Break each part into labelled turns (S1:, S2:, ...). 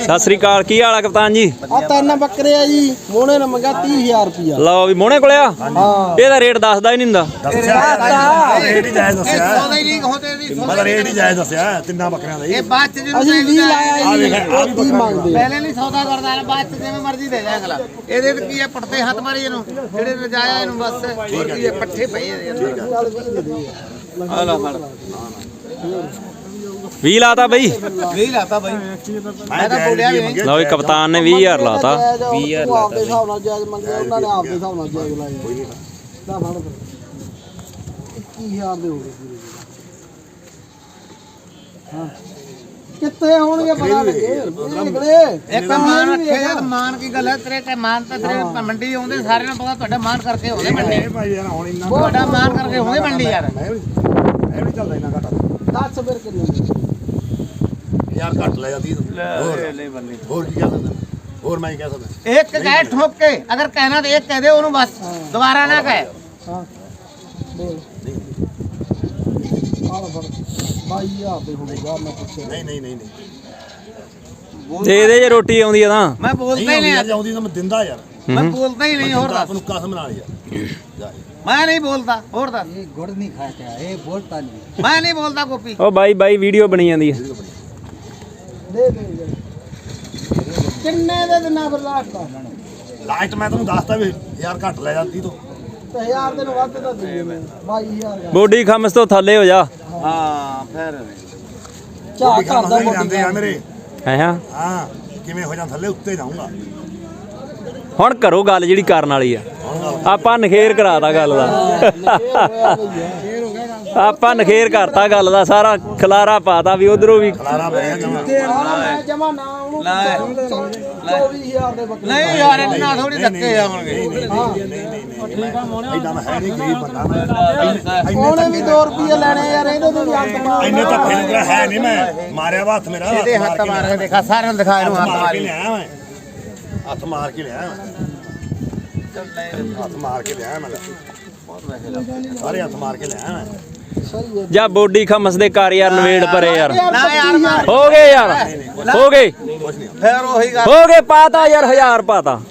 S1: ਸਤਿ ਸ੍ਰੀ ਅਕਾਲ, ਕੀ ਹਾਲ ਆ ਕਪਤਾਨ ਜੀ?
S2: ਆ ਤਿੰਨ ਬੱਕਰੇ ਆ ਜੀ, ਮੋਹਣੇ ਨੇ ਮੰਗਿਆ 30000 ਰੁਪਿਆ।
S1: ਲਓ ਵੀ ਮੋਹਣੇ ਕੋਲੇ ਆ।
S2: ਹਾਂ
S1: ਇਹਦਾ ਰੇਟ ਦੱਸਦਾ ਹੀ ਨਹੀਂ ਹੁੰਦਾ।
S3: ਰੇਟ ਹੀ ਜਾਇਜ਼ ਦੱਸਿਆ। ਮਤਲਬ ਰੇਟ ਹੀ ਜਾਇਜ਼ ਦੱਸਿਆ ਤਿੰਨਾਂ ਬੱਕਰਿਆਂ ਦਾ। ਇਹ ਬਾਅਦ ਚ
S2: ਅਸੀਂ 20 ਲਾਇਆ ਜੀ, ਉਹ 30 ਮੰਗਦੇ।
S3: ਪਹਿਲੇ ਨਹੀਂ ਸੌਦਾ ਕਰਦਾ ਹੈ, ਬਾਅਦ ਚ ਜਿਵੇਂ ਮਰਜ਼ੀ ਦੇ ਜਾ ਅਗਲਾ। ਇਹਦੇ ਤੇ ਕੀ ਹੈ, ਪੜਤੇ ਹੱਥ ਮਾਰੀ ਇਹਨੂੰ, ਜਿਹੜੇ ਰਜਾਇਆ ਇਹਨੂੰ ਬਸ। ਹੋਰ ਕੀ ਹੈ, ਪੱਠੇ ਪਏ ਇਹਦੇ। ਆ ਲਾ ਫੜ
S1: 20 ਲਾਤਾ ਬਈ।
S3: 20 ਲਾਤਾ ਬਾਈ। ਮੈਂ ਤਾਂ ਬੋਲਿਆ ਵੀ ਨਹੀਂ।
S1: ਲਓ ਵੀ ਕਪਤਾਨ ਨੇ 20000 ਲਾਤਾ।
S2: 20000 ਆਪਦੇ ਹਿਸਾਬ ਨਾਲ ਜਾਇਜ਼ ਮੰਗਿਆ, ਉਹਨਾਂ ਨੇ ਆਪਦੇ ਹਿਸਾਬ ਨਾਲ ਜਾਇਜ਼ ਲਾਇਆ। ਲੈ ਫੜ 21000 ਦੇ ਹੋ ਗਏ ਪੂਰੇ। ਹਾਂ ਕਿੱਥੇ ਹੋਣਗੇ ਪਤਾ ਲੱਗੇ।
S3: ਇੱਕ ਮਾਨ ਰੱਖਿਆ ਤਾਂ ਮਾਨ ਕੀ ਗੱਲ ਹੈ, ਤੇਰੇ ਤੇ ਮਾਨ ਤਾਂ ਤੇਰੇ ਮੰਡੀ ਆਉਂਦੇ ਸਾਰਿਆਂ ਨੂੰ ਪਤਾ, ਤੁਹਾਡਾ ਮਾਨ ਕਰਕੇ ਹੋਵੇ ਮੰਡੀ। ਤੁਹਾਡਾ ਮਾਨ ਕਰਕੇ ਹੋਵੇ ਮੰਡੀ ਯਾਰ। ਇਹ ਵੀ ਚੱਲਦਾ ਇੰਨਾ ਘੱਟ।
S2: 10 ਫਿਰ ਕਿੰਨੇ
S3: ਯਾਰ ਘੱਟ ਲੈ ਜਾਂਦੀ। ਹੋਰ ਕੀ ਕਹਿ ਸਕਦਾ, ਹੋਰ ਮੈਂ ਕੀ ਕਹਿ ਸਕਦਾ। ਇੱਕ ਕਹੇ ਠੋਕ ਕੇ, ਅਗਰ ਕਹਿਣਾ ਤੇ ਇੱਕ ਕਹਿ ਦੇ ਉਹਨੂੰ, ਬਸ ਦੁਬਾਰਾ ਨਾ ਕਹੇ।
S2: ਹਾਂ ਬੋਲ ਆਹ ਫੜ 22000 ਦੇ ਹੋਊਗਾ। ਮੈਂ ਪੁੱਛਿਆ
S3: ਨਹੀਂ
S1: ਦੇ ਦੇ ਜੇ ਰੋਟੀ ਆਉਂਦੀ ਆ ਤਾਂ।
S3: ਮੈਂ ਬੋਲਦਾ ਹੀ ਨਹੀਂ ਯਾਰ, ਆਉਂਦੀ ਤਾਂ ਮੈਂ ਦਿੰਦਾ ਯਾਰ। ਮੈਂ ਬੋਲਦਾ ਹੀ ਨਹੀਂ। ਹੋਰ ਦੱਸ ਨੂੰ ਕਸਮ ਨਾਲ ਯਾਰ, ਮੈਂ ਨਹੀਂ ਬੋਲਦਾ। ਹੋਰ ਦੱਸ। ਇਹ ਗੁੜ ਨਹੀਂ ਖਾਇਆ, ਇਹ ਬੋਲਦਾ ਨਹੀਂ। ਮੈਂ ਨਹੀਂ ਬੋਲਦਾ ਗੋਪੀ।
S1: ਉਹ ਬਾਈ ਵੀਡੀਓ ਬਣੀ ਜਾਂਦੀ ਆ।
S2: ਦੇ ਦੇ ਕਿੰਨੇ ਦੇ ਦਿਨਾਂ ਫਿਰ
S3: ਲਾਸਟ ਮੈਂ ਤੈਨੂੰ ਦੱਸਦਾ ਵੀ ਯਾਰ ਘੱਟ ਲੈ ਜਾਂਦੀ ਤੂੰ।
S2: ਤੇ 1000 ਦੇ ਨੂੰ ਵੱਧ ਤਾਂ ਦੇ 22000
S1: ਬੋਡੀ ਖਮਸ ਤੋਂ ਥੱਲੇ ਹੋ ਜਾ।
S3: ਹਾਂ ਫਿਰ
S2: ਝਾਕ ਕਰਦਾ
S3: ਜਾਂਦੇ ਆ ਮੇਰੇ।
S1: ਹਾਂ
S3: ਕਿਵੇਂ ਹੋ ਜਾਂ ਥੱਲੇ ਉੱਤੇ ਜਾਊਂਗਾ।
S1: ਹੁਣ ਕਰੋ ਗੱਲ ਜਿਹੜੀ ਕਰਨ ਵਾਲੀ ਆ। ਆਪਾਂ ਨਖੇਰ ਕਰਾਤਾ ਗੱਲ ਦਾ। ਆਪਾਂ ਨਖੇਰ ਕਰਤਾ ਗੱਲ ਦਾ, ਸਾਰਾ ਖਲਾਰਾ ਪਾਤਾ ਵੀ ਉਧਰੋਂ ਵੀ।
S2: ਜਮਾ ਨਾ ਉਹਨੂੰ 24000 ਦੇ ਬੱਕਰੇ।
S3: ਨਹੀਂ ਯਾਰ ਇੰਨਾ ਥੋੜੀ ਧੱਕੇ ਆਉਣਗੇ।
S2: ਉਹਨੇ ਵੀ 2 ਰੁਪਏ ਲੈਣੇ ਯਾਰ, ਇਹਦੇ ਤੋਂ ਵੀ ਅੰਤ ਮਾਰ।
S3: ਇੰਨੇ ਧੱਕੇ ਲੱਗਿਆ ਹੈ ਨਹੀਂ, ਮੈਂ ਮਾਰਿਆ ਹੱਥ ਮੇਰਾ। ਇਹਦੇ ਹੱਥ ਮਾਰ ਕੇ ਦੇਖਾ, ਸਾਰਿਆਂ ਨੂੰ ਦਿਖਾ ਇਹਨੂੰ ਹੱਥ ਮਾਰ ਕੇ ਲਿਆ ਮੈਂ। ਹੱਥ ਮਾਰ ਕੇ ਲਿਆ ਹੱਥ ਮਾਰ ਕੇ ਲਿਆ ਮੈਂ। ਸਾਰੇ ਹੱਥ ਮਾਰ ਕੇ ਲਿਆ ਮੈਂ।
S1: ਜਾ ਬੋਡੀ ਖਮਸ ਦੇ ਕਰ ਯਾਰ, ਨਵੇੜ ਪਰੇ ਯਾਰ।
S3: ਨਾ ਯਾਰ
S1: ਹੋ ਗਏ ਯਾਰ, ਹੋ ਗਏ
S3: ਫਿਰ ਉਹੀ ਗੱਲ।
S1: ਹੋ ਗਏ, ਪਾਤਾ ਯਾਰ 1000 ਪਾਤਾ।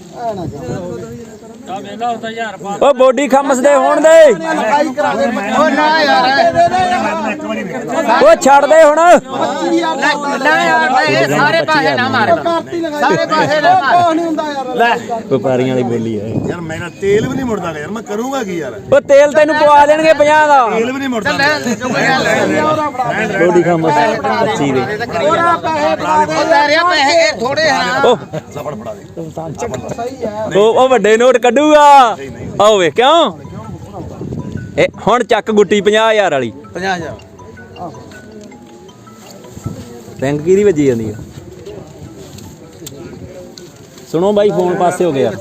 S1: ਉਹ ਬੋਡੀ ਖਮਸ ਦੇ ਹੋਣ ਦੇ।
S3: ਉਹ ਨਾ ਯਾਰ,
S1: ਉਹ ਛੱਡ ਦੇ ਹੁਣ।
S3: ਨਾ ਯਾਰ ਇਹ ਸਾਰੇ ਪਾਸੇ ਨਾ ਮਾਰ, ਸਾਰੇ ਪਾਸੇ ਨਾ ਮਾਰ।
S2: ਨਹੀਂ ਹੁੰਦਾ ਯਾਰ।
S3: ਲੈ
S1: ਵਪਾਰੀਆਂ ਵਾਲੀ ਬੋਲੀ ਹੈ
S3: ਯਾਰ, ਮੇਰਾ ਤੇਲ ਵੀ ਨਹੀਂ ਮੁੜਦਾ ਯਾਰ, ਮੈਂ ਕਰੂੰਗਾ ਕੀ ਯਾਰ।
S1: ਉਹ ਤੇਲ ਤੈਨੂੰ ਪਵਾ ਦੇਣਗੇ 50 ਦਾ।
S3: ਤੇਲ ਵੀ ਨਹੀਂ ਮੁੜਦਾ।
S1: ਬੋਡੀ ਖਮਸ 25 ਦੇ।
S2: ਉਹਦਾ ਪੈਸੇ ਫੜਾ ਦੇ।
S3: ਪੈਸੇ ਥੋੜੇ ਹਨ।
S1: ਉਹ
S3: ਸਫੜ ਫੜਾ ਦੇ।
S2: ਸਹੀ ਹੈ।
S1: ਉਹ ਵੱਡੇ ਨੋਟ ਕੱਢੂਗਾ। ਆਓ ਵੇ ਕਿਉਂ ਇਹ ਹੁਣ ਚੱਕ ਗੁੱਟੀ 50000 ਵਾਲੀ।
S3: 50000
S1: ਬੈਂਕ ਕਿਹਦੀ ਵੱਜੀ ਜਾਂਦੀ ਆ? ਸੁਣੋ ਬਾਈ, ਫੋਨ ਪਾਸੇ ਹੋ ਗਿਆ।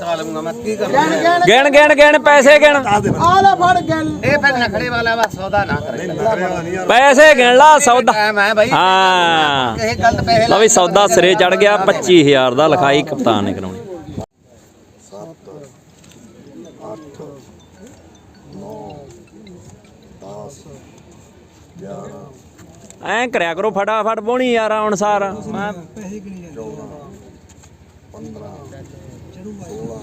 S1: ਗਿਣ ਪੈਸੇ ਗਿਣ।
S2: ਆ ਲੈ ਫੜ ਗੱਲ।
S3: ਇਹ ਫਿਰ ਨਖੜੇ ਵਾਲਾ ਵਾ, ਸੌਦਾ ਨਾ ਕਰੇ।
S1: ਪੈਸੇ ਗਿਣ ਲਾ ਸੌਦਾ।
S3: ਮੈਂ ਭਾਈ
S1: ਹਾਂ
S3: ਇਹ ਗਲਤ ਪੈਸੇ
S1: ਲਓ ਵੀ ਸੌਦਾ ਸਿਰੇ ਚੜ ਗਿਆ। 25000 ਦਾ ਲਿਖਾਈ ਕਪਤਾਨ ਨੇ ਕਰਾਉਣੀ।
S3: 7 8 9 10 11
S1: ਐਂ ਕਰਿਆ ਕਰੋ, ਫਟਾਫਟ ਬੋਣੀ ਯਾਰ ਅਨੁਸਾਰ।
S3: 15 16 17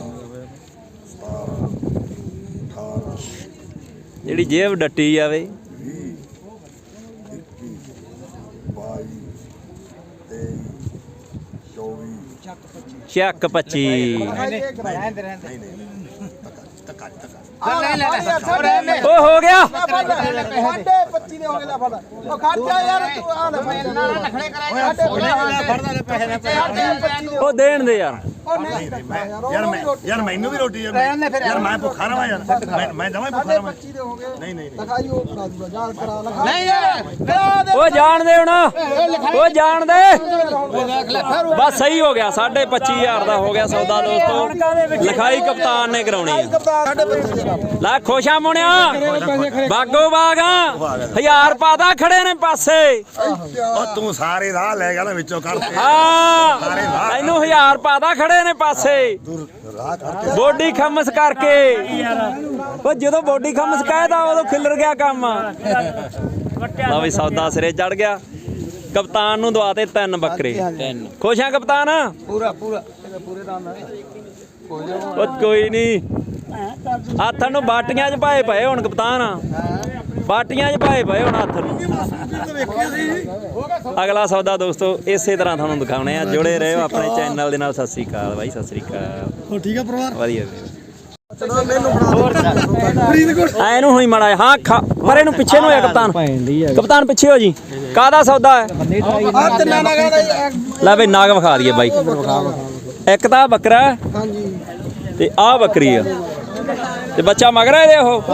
S3: 18
S1: ਜਿਹੜੀ ਜੇਬ ਡੱਟੀ ਜਾਵੇ।
S3: 20 21 22 23 24
S1: ਚੱਕ 25। ਉਹ ਹੋ ਗਿਆ।
S2: 25 ਦੇ ਹੋ ਗਏ। ਲੈ ਫੜ। ਉਹ ਖਰਚਾ ਯਾਰ ਤੂੰ ਆ ਲੈ
S1: ਉਹ ਦੇਣ ਦੇ ਯਾਰ।
S3: ਯਾਰ ਮੈਨੂੰ ਵੀ ਰੋਟੀ ਯਾਰ ਮੈਂ ਭੁੱਖਾ ਰਵਾਂ ਯਾਰ। ਮੈਂ ਜਮਾਂ ਭੁੱਖਾ ਰਵਾਂ।
S2: 25 ਦੇ ਹੋ ਗਏ।
S3: ਨਹੀਂ
S2: ਲਿਖਾਈ ਉਹ ਕਰਾ ਦੂਗਾ, ਜਾਲ ਕਰਾ ਲਿਖਾ।
S3: ਨਹੀਂ ਯਾਰ ਕਰਾ ਦੇ।
S1: ਉਹ ਜਾਣ ਦੇ ਹੁਣ, ਉਹ ਜਾਣ ਦੇ। ਬਸ ਸਹੀ ਹੋ ਗਿਆ। 25000 ਦਾ ਹੋ ਗਿਆ ਸੌਦਾ ਦੋਸਤੋ। ਲਿਖਾਈ ਕਪਤਾਨ ਨੇ ਕਰਾਉਣੀ ਆ। ਲੈ ਖੁਸ਼ਾ ਮੁਣਿਆ, ਬਾਗੋ ਬਾਗਾ 1000 ਪਾਦਾ ਖੜੇ ਨੇ ਪਾਸੇ।
S3: ਉਹ ਤੂੰ ਸਾਰੇ ਰਾਹ ਲੈ ਗਿਆ ਨਾ ਵਿੱਚੋਂ ਕੱਢ ਕੇ।
S1: ਹਾਂ ਇਹਨੂੰ 1000 ਪਾਦਾ ਖੜੇ ਨੇ ਪਾਸੇ।
S3: ਰਾਹ ਕਰਕੇ
S1: ਬੋਡੀ ਖਮਸ ਕਰਕੇ। ਉਹ ਜਦੋਂ ਬੋਡੀ ਖਮਸ ਕਹਿਦਾ ਉਦੋਂ ਖਿਲਰ ਗਿਆ ਕੰਮ। ਲਓ ਵੀ ਸੌਦਾ ਸਿਰੇ ਚੜ ਗਿਆ। ਕਪਤਾਨ ਨੂੰ ਦਵਾਤੇ 3 ਬੱਕਰੇ। ਖੁਸ਼ ਆ ਕਪਤਾਨ?
S2: ਪੂਰਾ ਪੂਰੇ ਦੰਦ
S1: ਉਹ ਕੋਈ ਨਹੀਂ, ਹੱਥਾਂ ਨੂੰ ਬਾਟੀਆਂ 'ਚ ਪਾਏ ਪਏ ਹੁਣ ਕਪਤਾਨ, ਬਾਟੀਆਂ 'ਚ ਪਾਏ ਪਏ ਹੁਣ ਹੱਥ ਨੂੰ। ਅਗਲਾ ਸੌਦਾ ਦੋਸਤੋ ਇਸੇ ਤਰ੍ਹਾਂ ਤੁਹਾਨੂੰ ਦਿਖਾਉਣੇ ਆ, ਜੁੜੇ ਰਹੋ ਆਪਣੇ ਚੈਨਲ ਦੇ ਨਾਲ। ਸਤਿ ਸ੍ਰੀ ਅਕਾਲ ਬਾਈ, ਸਤਿ ਸ੍ਰੀ ਅਕਾਲ।
S2: ਹੋ ਠੀਕ ਆ ਪਰਿਵਾਰ?
S1: ਵਧੀਆ
S2: ਫਰੀਦਕੋਟ
S1: ਐਨੂੰ ਹੋਈ ਮਾੜਾ ਜਿਹਾ। ਹਾਂ ਪਰ ਇਹਨੂੰ ਪਿੱਛੇ ਨੂੰ ਹੋਇਆ ਕਪਤਾਨ, ਕਪਤਾਨ ਪਿੱਛੇ ਹੋ ਜੀ। ਕਾਹਦਾ ਸੌਦਾ ਹੈ?
S2: ਆ ਤਿੰਨਾਂ ਨਗਾਂ ਦਾ
S1: ਲੈ ਬਈ ਨਾਗ ਵਿਖਾ ਦਈਏ ਬਾਈ। ਇੱਕ ਤਾਂ ਬੱਕਰਾ
S2: ਹਾਂਜੀ
S1: ਤੇ ਆਹ ਬੱਕਰੀ ਆ ਤੇ ਬੱਚਾ ਮਗਰ ਆ ਇਹਦੇ। ਉਹ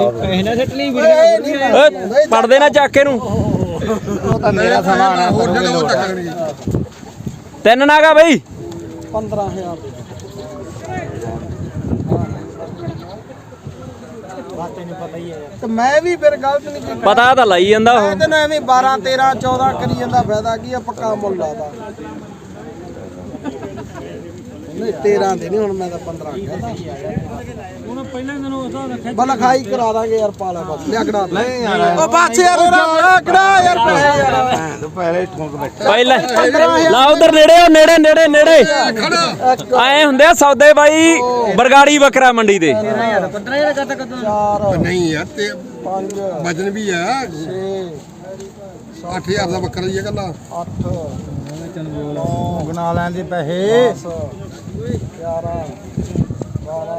S1: ਪੜਦੇ ਨਾ ਚੱਕ ਇਹਨੂੰ।
S3: ਉਹ ਤਾਂ ਮੇਰਾ ਸਮਾਨ ਹੈ, ਹੋਰ ਜਗ੍ਹਾ ਉਹ ਚੱਕਣੀ।
S1: 3 ਨਾਗਾ ਬਈ
S2: 15000 ਤੇ ਮੈਂ ਵੀ ਫਿਰ ਗਲਤ ਨਹੀਂ ਕੀਤਾ।
S1: ਪਤਾ ਤਾਂ ਲਾਈ ਜਾਂਦਾ ਉਹ।
S2: ਮੈਂ ਤੈਨੂੰ ਐਵੇਂ 12 13 14 ਕਰੀ ਜਾਂਦਾ, ਫਾਇਦਾ ਕੀ ਆ? ਪੱਕਾ ਮੁੱਲ ਲਾਦਾ ਨਹੀਂ 13 ਦੇ ਨਹੀਂ, ਹੁਣ ਮੈਂ ਤਾਂ 15 ਕਹਿੰਦਾ। ਹੁਣ ਪਹਿਲਾਂ ਦਿਨ ਉਹਦਾ ਰੱਖਿਆ ਬਲ ਖਾਈ ਕਰਾ ਦਾਂਗੇ ਯਾਰ, ਪਾਲਾ ਬਸ ਲਿਆ ਕਢਾ ਨਹੀਂ ਯਾਰ। ਉਹ ਬਾਛੇ ਯਾਰ ਕਢਾ ਯਾਰ ਪੈਸੇ ਯਾਰ।
S3: ਤੂੰ ਪਹਿਲੇ ਠੋਕ ਬੈਠਾ
S1: ਪਹਿਲਾਂ ਲਾ ਉਧਰ ਨੇੜੇ, ਉਹ ਨੇੜੇ ਨੇੜੇ ਨੇੜੇ ਆਏ ਹੁੰਦੇ ਆ ਸੌਦੇ ਬਾਈ। ਬਰਗਾੜੀ ਬੱਕਰਾ ਮੰਡੀ ਦੇ
S2: 4
S4: ਨਹੀਂ ਯਾਰ ਤੇ
S2: 5
S4: ਵਜਨ ਵੀ ਆ।
S2: 6
S4: 8000 ਦਾ ਬੱਕਰਾ ਹੀ ਹੈ ਕੱਲਾ।
S2: 8
S3: ਬਣਾ ਲੈਂਦੇ ਪੈਸੇ।
S2: 10 11 12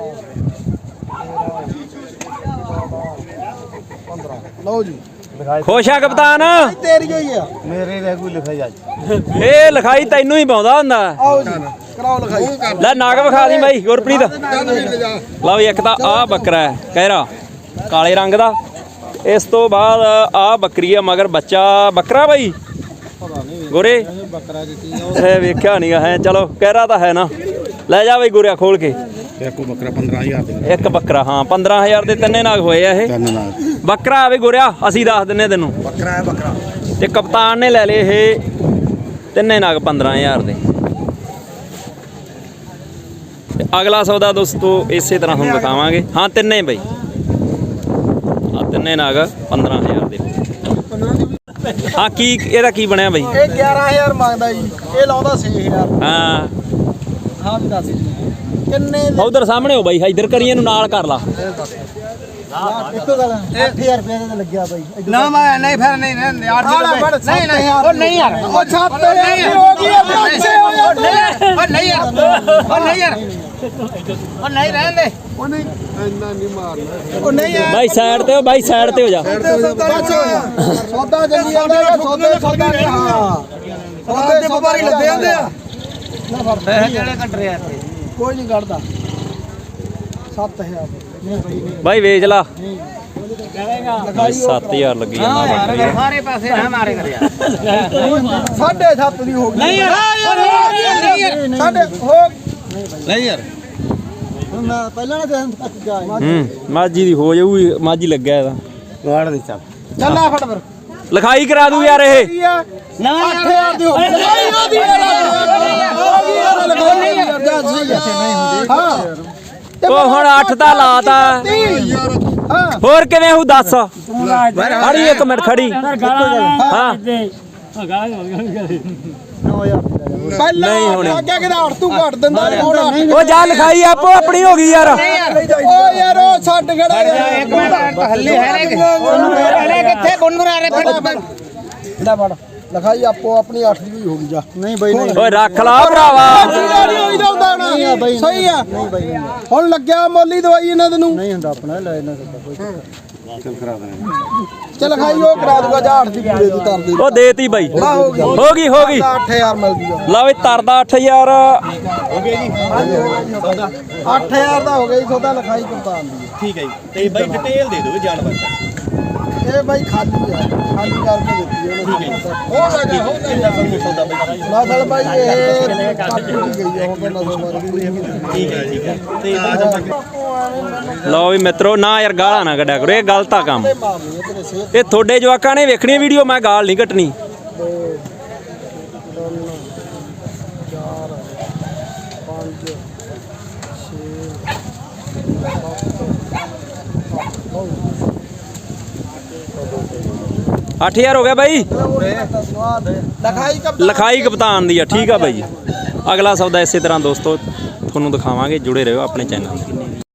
S2: 13 ਲਓ ਜੀ।
S1: ਖੁਸ਼ ਆ ਕਪਤਾਨ?
S2: ਤੇਰੀ ਹੋਈ ਆ।
S3: ਮੇਰੇ ਦੇ ਕੋਈ ਲਿਖਿਆ ਜਾ।
S1: ਇਹ ਲਿਖਾਈ ਤੈਨੂੰ ਹੀ ਪਾਉਂਦਾ ਹੁੰਦਾ।
S2: ਆਓ ਜੀ ਕਰਾਓ ਲਿਖਾਈ।
S1: ਲੈ ਨਾਗ ਵਿਖਾ ਦੀ ਬਾਈ ਗੁਰਪ੍ਰੀਤ।
S4: ਚੱਲ ਵੀ ਲੈ ਜਾ।
S1: ਲਓ ਇੱਕ ਤਾਂ ਆਹ ਬੱਕਰਾ ਹੈ ਕਹਿਰਾ ਕਾਲੇ ਰੰਗ ਦਾ। ਇਸ ਤੋਂ ਬਾਅਦ ਆਹ ਬੱਕਰੀ ਆ ਮਗਰ ਬੱਚਾ ਬੱਕਰਾ ਬਾਈ ਗੋਰੇ। ਇਹ ਵੇਖਿਆ ਨਹੀਂ ਹੈ, ਚਲੋ ਕਹਿਰਾ ਤਾਂ ਹੈ ਨਾ। ਲੈ ਜਾ ਬਈ ਗੋਰਿਆ ਖੋਲ ਕੇ।
S4: ਦੇਖੋ ਬੱਕਰਾ 15000 ਦੇ
S1: ਇੱਕ ਬੱਕਰਾ, ਹਾਂ 15000 ਦੇ 3 ਨਾਗ ਹੋਏ ਆ ਇਹ।
S4: ਤਿੰਨ ਨਾਲ
S1: ਬੱਕਰਾ ਆ ਬਈ ਗੋਰਿਆ, ਅਸੀਂ ਦੱਸ ਦਿੰਨੇ ਤੈਨੂੰ।
S4: ਬੱਕਰਾ ਹੈ ਬੱਕਰਾ।
S1: ਤੇ ਕਪਤਾਨ ਨੇ ਲੈ ਲਏ ਇਹ 3 ਨਾਗ 15000 ਦੇ। ਤੇ ਅਗਲਾ ਸੌਦਾ ਦੋਸਤੋ ਇਸੇ ਤਰ੍ਹਾਂ ਤੁਹਾਨੂੰ ਦਿਖਾਵਾਂਗੇ। ਹਾਂ ਤਿੰਨੇ ਬਈ, ਆ 3 ਨਾਗ 15000 ਦੇ। ਹਾਂ ਕੀ ਇਹਦਾ ਕੀ ਬਣਿਆ ਬਈ?
S2: ਇਹ 11000 ਮੰਗਦਾ ਜੀ, ਇਹ ਲਾਉਂਦਾ 6000।
S1: ਹਾਂ
S2: ਹਾਂ ਵੀ ਦੱਸ ਕਿੰਨੇ
S1: ਉਧਰ ਸਾਹਮਣੇ ਹੋ ਬਾਈ, ਇੱਧਰ ਕਰੀਏ ਨੂੰ ਨਾਲ ਕਰ ਲਾ।
S2: ਇੱਕੋ ਗੱਲ 8000 ਰੁਪਏ ਦਾ ਲੱਗਿਆ ਬਾਈ।
S3: ਨਾ ਮੈਂ ਨਹੀਂ ਫਿਰ ਨਹੀਂ ਨਹੀਂ ਨਹੀਂ ਨਹੀਂ ਉਹ ਨਹੀਂ ਯਾਰ।
S2: ਉਹ ਛੱਤ ਹੋ ਗਈ ਆ ਪਿੱਛੇ ਹੋ ਜਾ।
S3: ਉਹ ਨਹੀਂ ਯਾਰ, ਉਹ ਨਹੀਂ ਯਾਰ, ਉਹ ਨਹੀਂ ਰਹਿਣ ਦੇ।
S4: ਉਹ ਨਹੀਂ ਇੰਨਾ ਨਹੀਂ ਮਾਰਨਾ।
S2: ਉਹ ਨਹੀਂ ਯਾਰ
S1: ਬਾਈ ਸਾਈਡ ਤੇ ਹੋ, ਬਾਈ ਸਾਈਡ ਤੇ ਹੋ ਜਾ।
S2: ਸੌਦਾ ਚੱਲੀ ਜਾਂਦਾ ਹੈ, ਸੌਦਾ ਨਹੀਂ। ਹਾਂ ਸੌਦੇ ਦੇ ਵਪਾਰੀ ਲੱਗੇ ਜਾਂਦੇ ਆ।
S3: ਪੈਸੇ ਕਿਹੜੇ ਕੱਟ ਰਿਹਾ ਇੱਥੇ?
S2: ਕੋਈ ਨਹੀਂ ਕੱਢਦਾ। 7000 ਨਹੀਂ ਬਾਈ ਨਹੀਂ
S1: ਬਾਈ ਵੇਚ ਲਾ।
S2: ਲਗਾਈ
S1: 7000 ਲੱਗੀ ਜਾਂਦਾ ਬੱਕਰੀ ਦਾ।
S3: ਸਾਰੇ ਪਾਸੇ ਨਾ ਮਾਰੇ ਕਰ ਯਾਰ।
S2: 7.5 ਦੀ ਹੋ ਗਈ।
S3: ਨਹੀਂ ਯਾਰ, ਨਹੀਂ ਯਾਰ,
S2: ਸਾਡੇ ਹੋ
S3: ਨਹੀਂ ਯਾਰ।
S2: ਮੈਂ ਪਹਿਲਾਂ ਨਾ ਦੇਣ ਤੱਕ ਗਿਆ।
S1: ਮਾਝੀ ਦੀ ਹੋ ਜਾਊਗੀ, ਮਾਝੀ ਲੱਗਿਆ ਇਹਦਾ।
S3: ਗਾੜ ਨਹੀਂ ਚੱਲ।
S2: ਚੱਲ ਆ ਫੜ ਫਿਰ।
S1: ਲਿਖਾਈ ਕਰਾ ਦੂ ਯਾਰ ਇਹ।
S2: ਕੀ ਆ? 8000 ਦੀ ਹੋ ਗਈ। ਲਗਾਈ ਉਹਦੀ ਹੋ ਗਈ ਯਾਰ, ਲਗਾਈ ਯਾਰ ਜਾ ਸਹੀ ਆ। ਹਾਂ
S1: ਉਹ ਹੁਣ 8 ਤਾਂ ਲਾਤਾ।
S2: ਹਾਂ
S1: ਹੋਰ ਕਿਵੇਂ ਹੂ ਦੱਸ। ਖੜੀ 1 ਮਿੰਟ ਖੜੀ। ਹਾਂ
S2: ਪਹਿਲਾਂ
S1: ਨਹੀਂ ਹੋਣੀ।
S2: ਅੱਗੇ ਕਿਹੜਾ ਹਟ ਤੂੰ ਘੱਟ ਦਿੰਦਾ ਨਹੀਂ ਹੁਣ।
S1: ਉਹ ਜਾ ਲਿਖਾਈ ਆਪੋ ਆਪਣੀ ਹੋ ਗਈ ਯਾਰ।
S2: ਓ ਯਾਰ ਉਹ ਛੱਡ ਖੜਾ ਯਾਰ।
S3: ਇੱਕ ਮਿੰਟ ਹੱਲੇ ਹੈ ਨੇ ਹਲੇ ਕਿੱਥੇ ਗੁੰਨਗੁਨਾ ਰਹੇ
S2: ਲੈ ਫੜ ਲਿਖਾਈ ਆਪੋ ਆਪਣੀ 8 ਦੀ ਵੀ ਹੋ ਗਈ ਜਾ। ਨਹੀਂ ਬਾਈ ਨਹੀਂ
S1: ਓਏ ਰੱਖ ਲਾ ਭਰਾਵਾ।
S2: ਨਹੀਂ ਹੋਈ ਜਾਂਦਾ ਨਾ ਸਹੀ ਆ। ਨਹੀਂ ਬਾਈ ਹੁਣ ਲੱਗਿਆ ਮੋਲੀ ਦਵਾਈ ਇਹਨਾਂ ਦੇ ਨੂੰ। ਨਹੀਂ ਹੁੰਦਾ ਆਪਣਾ ਲੈ ਇਹਨਾਂ ਦਾ ਕੋਈ ਚੱਲ ਲਿਖਾਈ ਉਹ ਕਰਾ ਦੂਗਾ ਜਾ 8 ਦੀ ਪੂਰੇ ਦੀ ਕਰ ਦੇ।
S1: ਉਹ ਦੇਤੀ ਬਾਈ।
S2: ਆ ਹੋ ਗਈ
S1: ਹੋ ਗਈ ਹੋ ਗਈ।
S2: 8000 ਮਿਲ ਜੂਗਾ।
S1: ਲਓ ਵੀ ਤਰਦਾ 8000।
S2: ਹੋ ਗਿਆ ਜੀ 8000 ਦਾ ਹੋ ਗਿਆ ਜੀ ਸੌਦਾ। ਲਿਖਾਈ ਕਪਤਾਨ ਦੀ।
S5: ਠੀਕ ਹੈ ਜੀ। ਤੇ ਬਾਈ ਡਿਟੇਲ ਦੇ ਦਿਓ ਜਾਨਵਰ ਦਾ।
S2: ਇਹ ਬਾਈ ਖਾਲੀ ਆ, ਖਾਲੀ ਕਰਕੇ ਦਿੱਤੀ ਉਹਨੇ। ਨਸਲ ਬਾਈ ਇਹ ਕੱਟ ਗਈ ਆ ਹੁਣ ਤਾਂ ਨਸਲ ਮਰ ਗਈ।
S5: ਠੀਕ ਹੈ ਠੀਕ ਹੈ। ਤੇ
S1: ਲਓ ਵੀ ਮਿੱਤਰੋ ਨਾ ਯਾਰ ਗਾਲਾਂ ਨਾ ਕੱਢਿਆ ਕਰੋ, ਇਹ ਗਲਤ ਆ ਕੰਮ।
S2: ਮਾਰਨੀ ਤੇਰੇ ਸਿਹਤ
S1: ਇਹ ਤੁਹਾਡੇ ਜਵਾਕਾਂ ਨੇ ਵੇਖਣੀ ਵੀਡੀਓ, ਮੈਂ ਗਾਲ ਨਹੀਂ ਕੱਟਣੀ।
S2: 2 3 4 5 6
S1: 8000 ਹੋ ਗਿਆ ਬਾਈ। ਲਿਖਾਈ ਕਪਤਾਨ ਦੀ ਆ। ਠੀਕ ਆ ਬਾਈ ਜੀ, ਅਗਲਾ ਸੌਦਾ ਇਸੇ ਤਰ੍ਹਾਂ ਦੋਸਤੋ ਤੁਹਾਨੂੰ ਦਿਖਾਵਾਂਗੇ। ਜੁੜੇ ਰਹੋ ਆਪਣੇ ਚੈਨਲ ਨਾਲ।